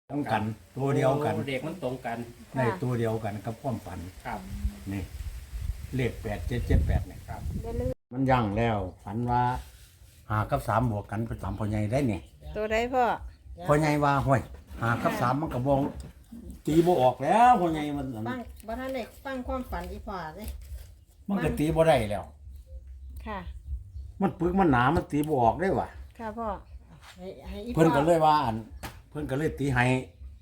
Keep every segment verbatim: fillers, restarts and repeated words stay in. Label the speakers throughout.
Speaker 1: ต้องกันตัวเดียวกัน
Speaker 2: โอ้เด็กมันตรงกัน
Speaker 1: ในตัวเดียวกันกับความฝัน
Speaker 2: ครับ
Speaker 1: นี่เลขแปดเจ็ดเจ็ดแปดเนี่ย
Speaker 2: ครับ
Speaker 3: ได้ลืม
Speaker 1: มันยั่งแล้วฝันว่าหากับสามบวกกันไปตามพ่อใหญ่ได้เนี่ย
Speaker 3: ตัวใดพ่อ
Speaker 1: พ่อใหญ่ว่าห้วยหากับสามมันก็บองตีบ่ออกแล้วพ่อใหญ่มันอัน
Speaker 4: ฟังบ่ทันได้ฟังความฝันอีพ่อเด้
Speaker 1: มันก็ตีบ่ได้แล้ว
Speaker 3: ค่ะ
Speaker 1: มันปึกมันหนามันตีบ่ออกได้ว่ะ
Speaker 3: ค่ะพ่อ
Speaker 4: ให้ให้อีพ่
Speaker 1: เพิ่น
Speaker 4: อ
Speaker 1: ก็เลยว่าอันเพิ่นก็เลยตีให้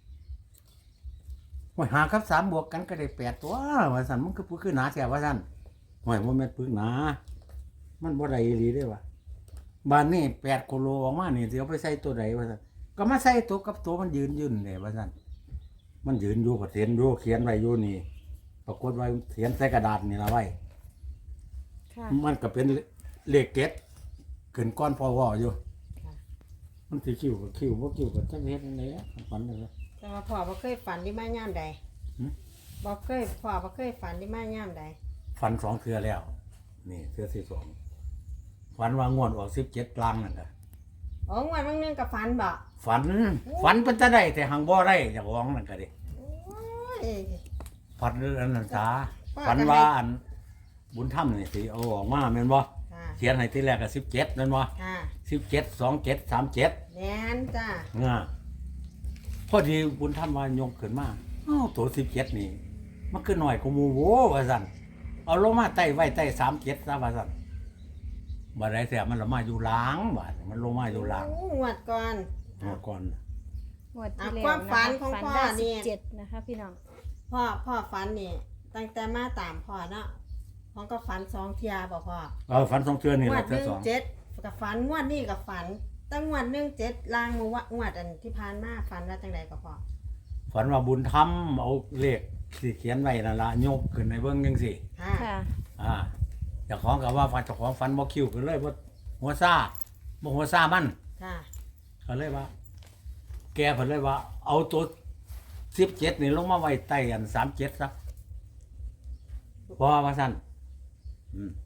Speaker 1: ห้วยหากับสามบวกกันก็ได้แปดตัวว่าซั่นมันก็ปึกคือหนาแท้ว่าซั่นห้วยบ่แม่นปึกหนามันบ่ได้อีหลีเด้ว่ะบ้านนี้แปดกิโลออกมานี่สิเอาไปใส่ตัวใดว่าซั่นก็มาใส่ตัวกับตัวมันยืนยืนเด้ว่าซั่นมันยืนอยู่ก็เขียนอยู่เขียนไว้อยู่นี่ปรากฏว่าเขียนใส่กระดาษนี่ล่ะไว้
Speaker 3: ค่ะ
Speaker 1: มันก็เป็นเลขเก็ดขึ้นก้อนพอวออยู่ มันสิคิวกับคิวบ่คิวกับจักเฮ็ดจังได๋ฝันเลย
Speaker 4: แต่ว่าพ่อบ่เคยฝันที่มายามใด
Speaker 1: หึ
Speaker 4: บ่เคยพ่อบ่เคยฝันที่มายามใด
Speaker 1: ฝันสองเทื่อแล้ว นี่เทื่อที่สองฝันว่างวดออกสิบเจ็ดกลางนั่นน่ะ
Speaker 4: อ๋องวดบางนึงก็ฝันบ่
Speaker 1: ฝันฝันเป็นจะได้แต่หังบ่ได้เจ้าของนั่นก็ดิ
Speaker 4: โอ้ย
Speaker 1: ฝันเรื่องอันนั้นซา
Speaker 4: ว่า
Speaker 1: ฝัน
Speaker 4: จะให้
Speaker 1: ว่าอันบุญธรรมนี่สิเอาออกมาแม่นบ่
Speaker 4: ค่ะ
Speaker 1: เขียนให้ทีแรกก็สิบเจ็ดแม่นบ่
Speaker 4: ค่ะ
Speaker 1: สิบเจ็ด สองเจ็ด สามเจ็ด
Speaker 4: แม่นจ้า
Speaker 1: ง่าพอดีบุญธรรมว่ายกขึ้นมาอ้าวตัวสิบเจ็ดนี่มันคือหน่อยกว่าหมู่โว้ว่าซั่นเอาลงมาใต้ไว้ใต้สามเจ็ดซะว่าซั่นบ่ได้เสียมันลงมาอยู่หล้างบาดมันลงมาอยู่หล้าง
Speaker 4: โอ้งวดก่อน
Speaker 1: เมื่อก่อน
Speaker 3: งวดที่
Speaker 4: อ่ะ
Speaker 3: แล้ว
Speaker 4: ความฝันของ
Speaker 3: ฝัน
Speaker 4: พ่อ
Speaker 3: ได้
Speaker 4: นี่
Speaker 3: สิบเจ็ดนะคะพี่น้อง
Speaker 4: พ่อพ่อฝันนี่ตั้งแต่มาตามพ่อเนาะพ่อก็ฝันสองเที่ยบ่พ่อ
Speaker 1: เออฝันสองเทื่อนี่
Speaker 4: งว
Speaker 1: แหละ
Speaker 4: ดห
Speaker 1: เทื่อ
Speaker 4: นึ่ง
Speaker 1: สอง
Speaker 4: เจ็ดกับฝันงวดนี้กับฝันตั้งงวดหนึ่งเจ็ดลางมือวะงวดอันที่ผ่านมาฝันว่าจังใดก็พอ
Speaker 1: ฝันว่าบุญธรรมเอาเลขที่เขียนไว้นั่นล่ะยกขึ้นในเบิ่งจังซี่
Speaker 4: ค่ะ
Speaker 3: ค่ะ
Speaker 1: อ่าเจ้าของก็ว่าฝันเจ้าของฝันบ่คิวขึ้นเลยบ่หัวซ่าบ่หัวซ่ามัน
Speaker 4: ค่ะ
Speaker 1: ก็เลยว่า แกเพิ่นเลยว่า เอาตัวสิบเจ็ดนี่ลงมาไว้ใต้อันสามเจ็ดซะเพราะว่าซั่นอืม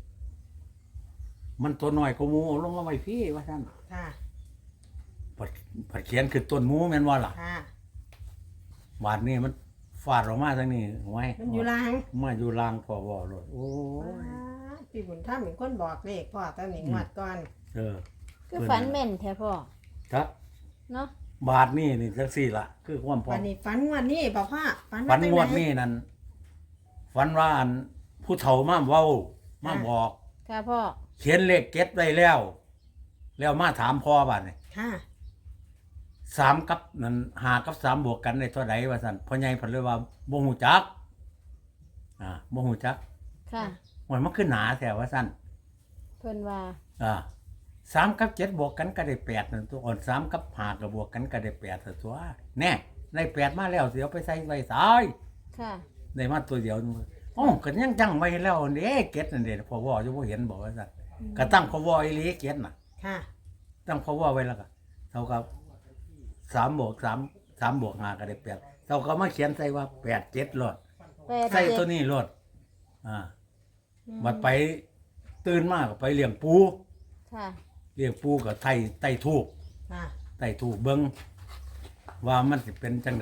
Speaker 1: มันตัวน้อยกว่าหมูเอาลงมาไว้พี่ว่าซั่น
Speaker 4: ค่ะ
Speaker 1: ผัดผัดเขียนคือต้นหมูแม่นว่าล่ะ
Speaker 4: ค่ะ
Speaker 1: บาดนี้มันฟาดออกมาทางนี้ไว้
Speaker 4: มันอยู่ลาง
Speaker 1: มาอยู่ลางพอบ่รถโอ้ย
Speaker 4: พี่บุญถ้าเป็นคนบอกเลขพ่อตอนนี้งวดก่อน
Speaker 1: เออ
Speaker 3: คือฝันแม่นแท้พ่อ
Speaker 1: ครับ
Speaker 3: เนาะ
Speaker 1: บาทนี่นี่จังซี่ล่ะ คือความพอ
Speaker 4: วันนี้ฝันงวดนี้บอกพ่อฝัน
Speaker 1: ฝัน
Speaker 4: จั
Speaker 1: งวดนี้นั่นฝันว่าอันผู้เฒ่ามาเว้ามาบอก
Speaker 3: ค่ะพ่อ
Speaker 1: เขียนเลขเก็ตไว้แล้ว แล้วมาถามพ่อบาดนี่
Speaker 4: ค่ะ
Speaker 1: สามกับนั่นหากับสามบวกกันได้เท่าใดว่าซั่นพ่อใหญ่เพิ่นเลยว่าบ่ฮู้จักอ่าบ่ฮู้จัก
Speaker 3: ค่ะ
Speaker 1: มันมันคือหนาแท้ว่าซั่น
Speaker 3: เพิ่นว่า
Speaker 1: อ่าสามกับเจ็ดบวกกันก็ได้แปดนั่นตัวอ่อนสามกับห้าก็บวกกันก็ได้แปดตัวแน่ได้แปดมาแล้วสิเอาไปใส่ไว้ซ้าย
Speaker 3: ค่ะ
Speaker 1: ได้มาตัวเดียวนึงอ๋อก็ยังจังไว้แล้วเด้เก็ตนั่นเด้พอว่าอยู่บ่เห็นบอกว่าซั่นก็ตั้งพอว่าอีหลีเก็ตน่ะ
Speaker 4: ค่ะ
Speaker 1: ตั้งพอว่าไว้แล้วก็เท่ากับสามบวกสามสามบวกห้าก็ได้แปดเท่ากับมาเขียนใส่ว่าแปดเจ็ดรถ
Speaker 3: แปด
Speaker 1: ใส่
Speaker 3: เจ็ด
Speaker 1: ตัวนี้รถอ่าบัดไปตื่นมาก็ไปเลี้ยงปู
Speaker 3: ค่ะ
Speaker 1: เลี้ยงปูก็ไถ่ไต่ทูบ
Speaker 4: ค่ะ
Speaker 1: ไต่ทูบเบิ่งว่ามันสิเป็นจังได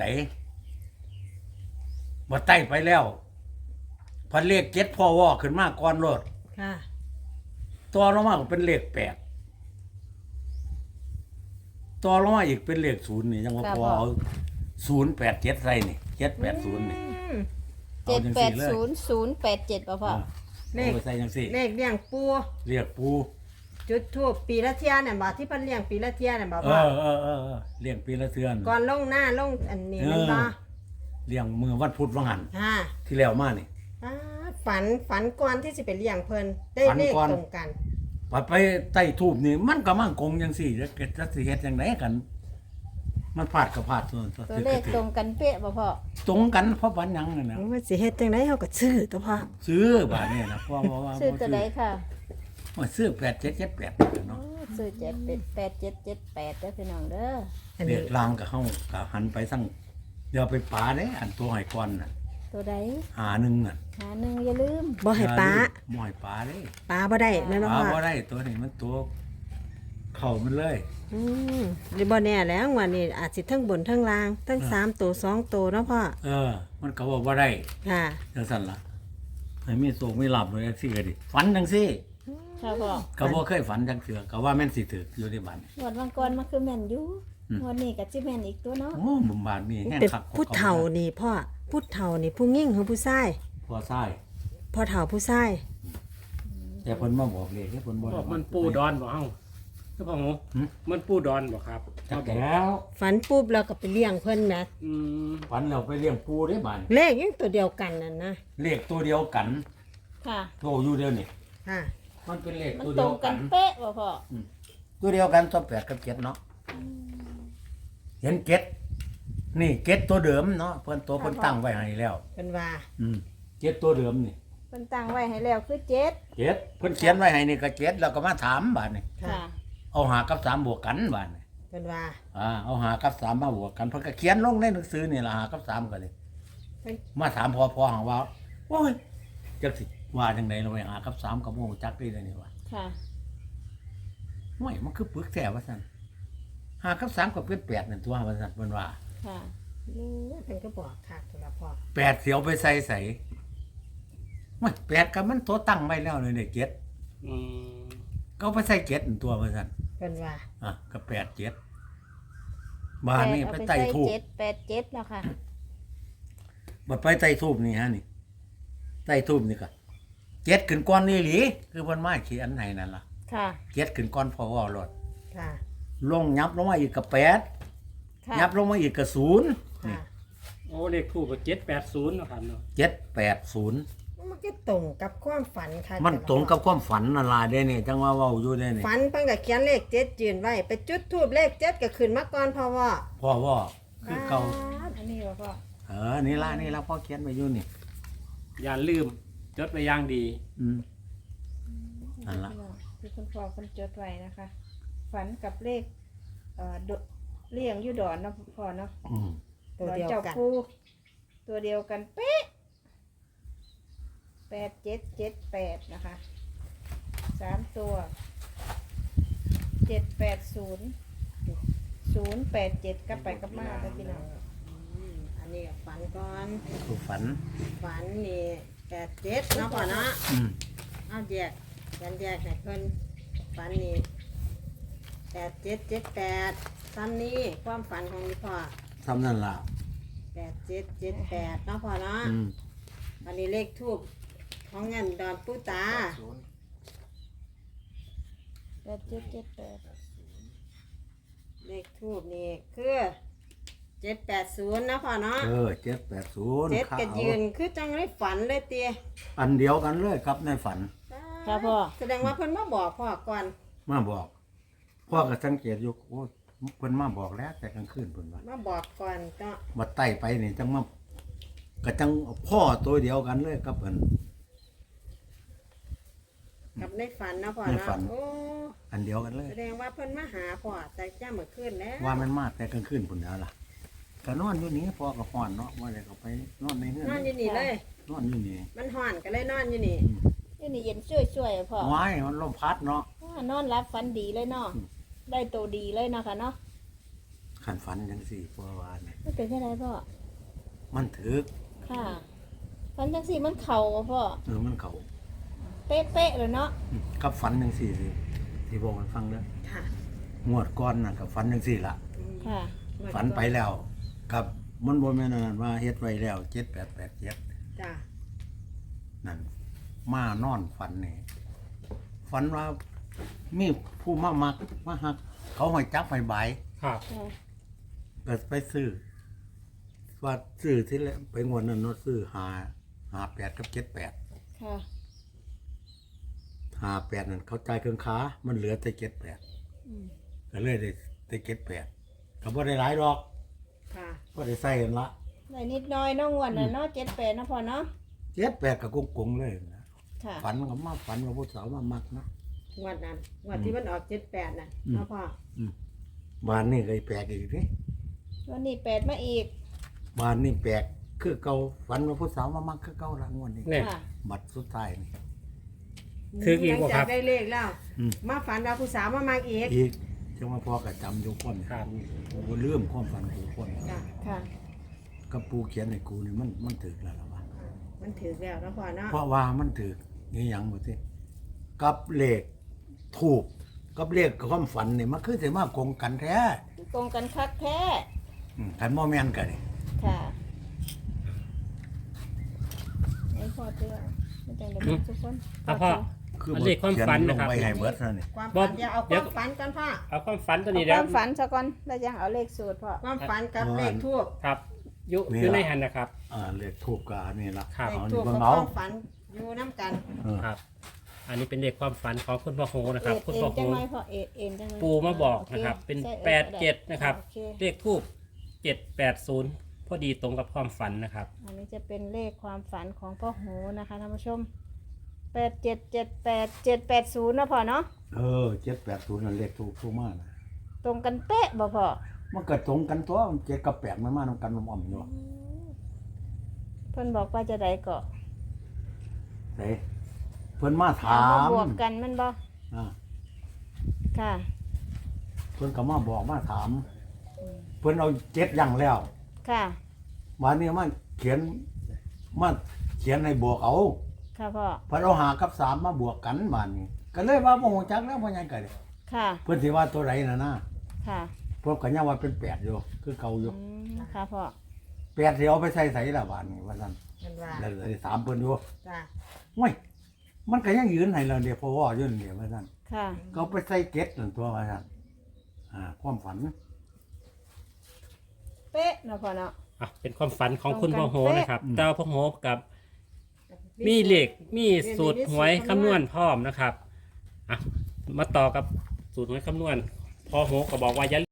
Speaker 1: บ่ไต่ไปแล้วพันเลขเจ็ดพ่อว่าขึ้นมาก่อนรถ
Speaker 4: ค่ะ
Speaker 1: ตัวลงมาก็เป็นเลขแปดตัวลงมาอีกเป็นเลขศูนย์นี่ยังว่าพอเอาศูนย์แปดเจ็ดใส่นี่เจ็ดแปดศูนย์นี่
Speaker 4: อืม
Speaker 3: เจ็ด
Speaker 1: อาจัง
Speaker 3: แป
Speaker 1: สี่
Speaker 3: ด
Speaker 1: เลย
Speaker 3: ศูนย์ศูนย์แปดเจ็ดป่ะพ่อ
Speaker 1: อ่า
Speaker 4: เลข
Speaker 1: เอาไปใส่จังสี่
Speaker 4: เลขเลี้ยงปู
Speaker 1: เรียกปู
Speaker 4: จุดทูบปีละเที่ยเนี่ยบอกที่เพิ่นเลี้ยงปีละเที่ยเนี่ยบอก
Speaker 1: เอ
Speaker 4: ว่า
Speaker 1: อเออเออเออเลี้ยงปีละเทือน
Speaker 4: ก่อนลงหน้าลงอันนี้
Speaker 1: เออ
Speaker 4: มันบ่
Speaker 1: เลี้ยงมือวันพุธวันหัน
Speaker 4: ค่ะ
Speaker 1: ที่แล้วมานี่
Speaker 4: อ่าฝันฝันก่อนที่สิไปเลี้ยงเพิ่นได้
Speaker 1: ฝัน
Speaker 4: เลข
Speaker 1: ก่อน
Speaker 4: ตรงกัน
Speaker 1: ปัดไปใต้ทูบนี่มันก็มั่งคงจังสี่จะเกิดจะสิเฮ็ดจังไดกัน มันพลาดก็พลาดส่วน
Speaker 3: ตัวเลขตรงกันเป๊ะป่ะพ่อ
Speaker 1: ตรงกันเพราะปันหยังนั่นน่ะ
Speaker 4: มันสิเฮ็ดจังได๋เฮาก็ซื้อตัวพ่อ
Speaker 1: ซื้อบาดนี่นะเพราะว่า
Speaker 3: ซื้อตัวใดค่ะ
Speaker 1: ว่าซื้อแปดเจ็ดเจ็ดแปดเนาะ
Speaker 3: โอ้ซื้อเจ็ดเป็นแปดเจ็ดเจ็ดแปดเด้อพี่น้องเด้อ
Speaker 4: อัน
Speaker 1: เรี
Speaker 4: นี้
Speaker 1: ยกลางกับเฮาก็หันไปสั่งเดี๋ยวไปป่าเด้อันตัวหอยก่อนน่ะ
Speaker 3: ตัวใด
Speaker 1: หาหนึงน่ะ
Speaker 3: หาหนึ่งอย่าลืม
Speaker 4: บ่ให้ป้า
Speaker 1: บ่ให้ป่าเด้
Speaker 4: ป้าบ่ได้แม่นบ่
Speaker 1: ป่า
Speaker 4: พ่อ
Speaker 1: บ่ได้ตัวนี้มันตัวเข้ามันเลย
Speaker 4: อืมหรือบ่แน่แล้วงวดนี้อาจสิทั้งบนทั้งล่างทั้งสามตัวสองตัวเนาะพ่อ
Speaker 1: เออ มันก็บอกว่าได้
Speaker 4: ค่ะ
Speaker 1: จังซั่นล่ะให้มีโศกมีลาภเลยจังซี่ก็ดิฝันจังซี่
Speaker 3: ค่ะพ่อ
Speaker 1: ก็บ่เคยฝันจังเทื่อก็ว่าแม่นสิถึกอยู่ในบ้าน
Speaker 3: งวดวันก่อนมันคือแม่นอยู่
Speaker 1: อืม
Speaker 3: งวดนี้ก็สิแม่นอีกตัวเนาะ
Speaker 1: โอ้บุมบานนี่แห้ง
Speaker 4: เป็น
Speaker 1: คักกว่
Speaker 4: ผู้เฒ่านี่พ่อผู้เฒ่านี่ผู้ยิ่งหรือผู้ชาย
Speaker 1: พอซ้าย
Speaker 4: พ่อเฒ่าผู้ชาย
Speaker 1: แต่เพิ่นมาบอกเลขให้เพิ่นบ่
Speaker 2: บอกมันปูดอนบ่เฮาคือพ่อหมู
Speaker 1: หึ
Speaker 2: มันปูดอนบ่ครับ
Speaker 1: จักแล้ว
Speaker 4: ฝันปุ๊บเราก็ไปเลี้ยงเพิ่นแหม
Speaker 2: อืม
Speaker 1: ฝันเราไปเลี้ยงปูได้บ้าน
Speaker 4: เลขยังตัวเดียวกันนั่นนะ
Speaker 1: เลขตัวเดียวกัน
Speaker 3: ค่ะ
Speaker 1: โตอยู่เดียวนี่
Speaker 4: ค่ะ
Speaker 1: มันเป็นเลข
Speaker 3: มัน
Speaker 1: ตัว
Speaker 3: ต
Speaker 1: เดี
Speaker 3: ร
Speaker 1: ยว
Speaker 3: ง
Speaker 1: กั
Speaker 3: กัน นเป๊ะบ่พ่อ
Speaker 1: ตัวเดียวกันตัวแปดกับเจ็ดเนาะเห็นเจ็ดนี่เจ็ดตัวเดิมเนาะเพิ่นตัวเพิ่นตั้งไว้ให้แล้ว
Speaker 4: เป็นว่า
Speaker 1: อืมเจ็ดตัวเดิมนี่
Speaker 3: เพิ่นตั้งไว้ให้แล้วคือเจ็ด
Speaker 1: เจ็ดเพิ่นเขียนไว้ให้นี่ก็เจ็ดแล้วก็มาถามบาดนี่
Speaker 4: ค่ะ
Speaker 3: ค่ะ
Speaker 1: เอาหากับสามบวกกันบาดนี่
Speaker 4: เป็นว่า
Speaker 1: อ่าเอาหากับสามมาบวกกันเพิ่นก็เขียนลงในหนังสือนี่ล่ะหากับสามก็เลย
Speaker 4: เพิ่น
Speaker 1: มาถามพอพอหังว่าโอ้ยจักสิว่าจังไดเราไปหากับสามกับโมจักได้เลยนี่ว่า
Speaker 3: ค่ะ
Speaker 1: ห่วยมันคือปึกแท้ว่าซั่นหากับสามก็เป็นแปดนั่นตัวว่าซั่นเพิ่นว่า
Speaker 3: ค่ะ
Speaker 4: นี่เพิ่นก็บอกคักสำหรับพ่อ
Speaker 1: แปดเสียวไปใส่ใส่ห่วยแปดก็มันตัวตั้งไว้แล้วเลยเนี่ยเจ็ด
Speaker 2: อืม
Speaker 1: ก็เอาไปใส่เจ็ดนั่นตัวว่าซั่น
Speaker 4: เป็นว่า
Speaker 1: อ่ะก็แปดเจ็ดบ้านนี่
Speaker 3: แปด
Speaker 1: ไป
Speaker 3: เอา
Speaker 1: ไต่ทูบ
Speaker 3: เจ็ดแปดเจ็ดแล้วค่ะ
Speaker 1: บัดไปไต่ทูบนี่ฮะนี่ไต่ทูบนี่ก็เจ็ดขึ้นก้อนนี่หลีคือเพิ่นมาเขียนให้นั่นล่ะ
Speaker 3: ค่ะ
Speaker 1: เจ็ดขึ้นก้อนพอว่ารถ
Speaker 4: ค่ะ
Speaker 1: ลงยับลงมาอีกกับแปด
Speaker 3: ค่ะ
Speaker 1: ยับลงมาอีกกับศูนย์
Speaker 4: ค่ะ
Speaker 2: โอ้เลขคู่ก็เจ็ดแปดศูนย์เนาะครับเนาะ
Speaker 1: เจ็ดแปดศูนย์
Speaker 4: มันก็ตรงกับความฝันค่ะ
Speaker 1: มันตรงกับความฝันนั่นล่ะเด้นี่จังว่าเว้าอยู่เด้นี่
Speaker 4: ฝันเพิ่นก็เขียนเลขเจ็ดยืนไว้ ไปจุดทูบเลขเจ็ดก็ขึ้นมาก่อนพ่อว่า
Speaker 1: พ่อว่าคือเก่า
Speaker 3: อันนี้บ่พ่อ
Speaker 1: เออนี่ล่ะนี่ล่ะพ่อเขียนไว้อยู่นี่
Speaker 2: อย่าลืมจดไว้อย่างดี
Speaker 1: อืมนั่นล่ะ
Speaker 3: ที่คุณพ่อคุณจดไว้นะคะ ฝันกับเลขเอ่อดเลี้ยงอยู่ดอนเนาะพ่อเนาะ
Speaker 1: อืม
Speaker 4: ตัวเดียว
Speaker 3: ดอจ้า
Speaker 4: กัน
Speaker 3: ปูตัวเดียวกันเป๊ะแปดเจ็ดเจ็ดแปดนะคะสามตัวเจ็ดแปดศูนย์ศูนย์แปดเจ็ดกลับไปกลับมาเลยพี่น้อง
Speaker 4: อืมอันนี้ก็ฝันก่อน
Speaker 1: คือฝัน
Speaker 4: ฝันนี่แปดเจ็ดเนาะพ่อเนาะ
Speaker 1: อืม
Speaker 4: เอาแยกกันแยกให้เพิ่นฝันนี่แปดเจ็ดเจ็ดแปดซ้ำนี้ความฝันของนี่พ่อ
Speaker 1: ทำนั่นล่ะ
Speaker 4: แปดเจ็ดเจ็ดแปดเนาะพ่อเนาะ
Speaker 1: อืม
Speaker 4: อันนี้เลขทูบของเงินดอนปูตา
Speaker 3: แปดเจ็ดเจ็ดแปด
Speaker 4: เลขทูบนี่คือเจ็ดแปดศูนย์นะพ่อเนาะ
Speaker 1: เออเจ็ดแปดศูนย์
Speaker 4: เจ็ด
Speaker 1: ขา
Speaker 4: ก็ยืนคือจังได้ฝันเลยเตีย
Speaker 1: อันเดียวกันเลยครับในฝัน
Speaker 3: ค่ะพ่อ
Speaker 4: แสดงว่าเพิ่นมาบอกพ่อก่อน
Speaker 1: มาบอก พ่อก็สังเกตอยู่โอ้เพิ่นมาบอกแล้วแต่กลางคืนเพิ่นว่า
Speaker 4: มาบอกก่อนเนาะ
Speaker 1: บัดไต่ไปนี่จังมาก็จังพ่อตัวเดียวกันเลยกับเพิ่น
Speaker 4: กับในฝันนะพ่อ
Speaker 1: ใน
Speaker 4: เนาะ
Speaker 1: ฝัน
Speaker 4: โอ้
Speaker 1: อันเดียวกันเลย
Speaker 4: แสดงว่าเพิ่นมาหาพ่อแต่จ้าเมื่อคืนแล้ว
Speaker 1: ว่ามันมาแต่กลางคืนพุ่นแล้วล่ะก็นอนอยู่นี่พ่อก็ฮ้อนเนาะว่าได้ก็ไปนอนในเฮือน
Speaker 4: นอนอยู่นี่เลย
Speaker 1: นอนอยู่นี่
Speaker 4: มันห่อนก็เลยนอนอยู่นี่
Speaker 3: นี่นี่เย็นช่วยๆพ่อ
Speaker 1: ว้ายมันลมพัดเนาะ
Speaker 3: ว่านอนรับฝันดีเลยเนาะ
Speaker 1: อืม
Speaker 3: ได้ตัวดีเลยเนาะค่ะเนาะ
Speaker 1: ขันฝันจังสี่พ่อว่านี่
Speaker 3: ไม่เป็นแค่ไรพ่อ
Speaker 1: มันถึก
Speaker 3: ค่ะฝันจังสี่มันเข่าบ่พ่อ
Speaker 1: เออมันเข้า
Speaker 3: เป๊ะๆเลยเนาะ
Speaker 1: อืมกับฝันจังสี่สิที่บอกให้ฟังเด้อ
Speaker 4: ค่ะ
Speaker 1: งวดก่อนน่ะกับฝันจังสี่ล่ะ
Speaker 3: ค่ะ
Speaker 1: ฝันไปแล้วกับมันบ่แม่นอันนั้นว่าเฮ็ดไว้แล้วเจ็ดแปดแปดเจ็ด
Speaker 4: จ้า
Speaker 1: นั่นมานอนฝันนี่ฝันว่ามีผู้มามักมาหัก เขาให้จับให้ใบาย
Speaker 2: ครับ
Speaker 3: ค่ะ
Speaker 1: ก็ไปซื้อว่าซื้อที่แรกไปงวดนั้นเนาะซื้อหาหาแปดกับเจ็ดแปด
Speaker 3: ค่ะ
Speaker 1: หาแปดนั่นเขาจ่ายเครื่องค้ามันเหลือแต่เจ็ดแปด
Speaker 3: อืม
Speaker 1: ก็เลยได้ได้เจ็ดแปดก็บ่ได้หลายดอก
Speaker 4: ค่ะ
Speaker 1: ก็ได้ใส่กันละ
Speaker 3: ได้นิดหน้อยเน้องวันน่ะเนาะเจ็ดแปดนะพ่อเนาะ
Speaker 1: เจ็ดแปดกับกงๆเลยนะ
Speaker 3: ค่ะ
Speaker 1: ฝันก็มาฝันว่าผู้สาวมามักนะ
Speaker 4: งวดนั้นงวดที่มันออกเจ็ดแปดน่ะ
Speaker 1: อืม
Speaker 4: เนาะพ่อ
Speaker 1: บ้านนี่ก็แปลกอีกนี่
Speaker 3: วันนี้แปดมาอีก
Speaker 1: บ้านนี่แปลกคือเก่าฝันว่าผู้สาวมามักคือเก่าละงวดนี้
Speaker 2: เนี่ย
Speaker 3: ค่ะ
Speaker 1: บัดสุดท้ายนี่
Speaker 2: คืออีกบ่
Speaker 4: หลัง
Speaker 2: ครั
Speaker 4: จาก
Speaker 2: บ
Speaker 4: ได้เลขแล้ว
Speaker 1: อืม
Speaker 4: มาฝันว่าผู้สาวมามาอีก
Speaker 1: อีกจังว่าพ่อก็จำอยู่คน
Speaker 2: ครับ
Speaker 1: กูบ่ลืมความฝันกูคน
Speaker 4: จ้ะ
Speaker 3: ค่ะ
Speaker 1: กับปูเขียนให้กูนี่มันมันถึกแล้วล่ะวะ
Speaker 4: มันถือแล้วนะพ่อเนาะ
Speaker 1: เพราะว่ามันถึกนี่หยังบ่ติกับเลขถูกกับเลขความฝันนี่มันคือสิมาคงกันแท้
Speaker 3: ตรงกันคักแท้
Speaker 1: อืมคันบ่แม่นกันนี่
Speaker 3: ค่ะไอ้พ่อเตือไม่จังได้บอกทุกคน
Speaker 2: อ่ะพ่อ
Speaker 1: คือ
Speaker 2: อันเลขความฝันนะครับ
Speaker 1: เขียลงไว้ให้เบิดนั่นนี่
Speaker 4: ความ
Speaker 2: บ่
Speaker 4: ฝันเดี๋ยวเอาค
Speaker 2: เดี๋ยว
Speaker 4: วามฝันกันพ่อ
Speaker 2: เอาความฝันตัว
Speaker 3: เอา
Speaker 2: นี้
Speaker 3: ค
Speaker 2: แล้ว
Speaker 3: วามฝันซะก่อนแล้วยังเอาเลขสูตรพ่อ
Speaker 4: ความฝันกับเลขทูบ
Speaker 2: ครับอยู่อยู่ในหันนะครับ
Speaker 1: อ่าเลขถูกก็อันนี้ล่ะ
Speaker 2: ครับ
Speaker 4: เลข
Speaker 1: เอา
Speaker 4: ทู
Speaker 1: นี่
Speaker 4: บ
Speaker 1: เบิ่
Speaker 4: กับ
Speaker 1: ง
Speaker 4: ค
Speaker 1: เอา
Speaker 4: วามฝันอยู่น้ำกัน
Speaker 1: เออ
Speaker 2: ครับ อันนี้เป็นเลขความฝันของคุณพ่อโหนะครับ
Speaker 3: เอ็ด
Speaker 2: คุณ
Speaker 3: เอ็
Speaker 2: พ่อน โห
Speaker 3: จังไรพ่อเอ็ดเอ็นจังไร
Speaker 2: ปูมาบอก
Speaker 3: โ
Speaker 2: นะครับ เป็น
Speaker 3: ใช่
Speaker 2: แปด
Speaker 3: ออ
Speaker 2: เจ็ดนะครับ
Speaker 3: โอเค
Speaker 2: เลขทูบเจ็ดแปดศูนย์พอดีตรงกับความฝันนะครับ
Speaker 3: อันนี้จะเป็นเลขความฝันของพ่อโหนะคะท่านผู้ชมแปดเจ็ดเจ็ดแปดเจ็ดแปดศูนย์นะพ่อเนาะ
Speaker 1: เออเจ็ดแปดศูนย์นั่นเลขถูกถูกมากนะ
Speaker 3: ตรงกันเป๊ะบ่พ่อ
Speaker 1: มันก็ตรงกันตัวมันเจ็ดกับแปดมันมานำกันอ่อมๆอยู่
Speaker 3: เพิ่นบอกว่าจะได้เกาะ
Speaker 1: เด้เพิ่นมาถา
Speaker 3: เอมาม บวกกันแมันบ่
Speaker 1: อ่า
Speaker 3: ค่ะ
Speaker 1: เพิ่นก็มาบอกมาถาม เพิ่นเอาเจ็ดอย่างแล้ว
Speaker 3: ค่ะ
Speaker 1: วันนี้มาเขียนมาเขียนให้บวกเอา
Speaker 3: ค่ะพ่อ
Speaker 1: เพิ่นเอาหากับสามมาบวกกันบานนี้ก็เลยว่าบ่ฮู้จักแล้วบ่ยังก็ได้
Speaker 3: ค่ะ
Speaker 1: เพิ่นสิว่าตัวใดน่ะนะ
Speaker 3: ค่ะ
Speaker 1: เพิ่นก็ยังว่าเป็นแปดอยู่คือเก่าอยู่
Speaker 3: อืมค่ะพ่อ
Speaker 1: แปดสิเอาไปใส่ไสล่ะบานนี้ว่าซั่น
Speaker 4: มันว่า
Speaker 1: แล้วเลยถามเพิ่นอยู่
Speaker 4: จ้ะ
Speaker 1: โอ้ยมันก็ยังยืนให้เราเดี๋ยวพอว่าอยู่นี่ว่าซั่น
Speaker 3: ค่ะ
Speaker 1: ก็เอาไปใส่เก็ดนั่นตัวว่าซั่นอ่าความฝัน
Speaker 3: เป๊ะเนาะพ่อเนาะ
Speaker 2: อ่ะเป็นความฝันของคุณพ่อโหนะครับ
Speaker 1: อืม
Speaker 2: แต่ว่าพ่อโหกับมีเลขมีสูตรหวยคำนวณพร้อมนะครับอ่ะมาต่อกับสูตรหวยคำนวณพ่อโหก็บอกว่าอย่า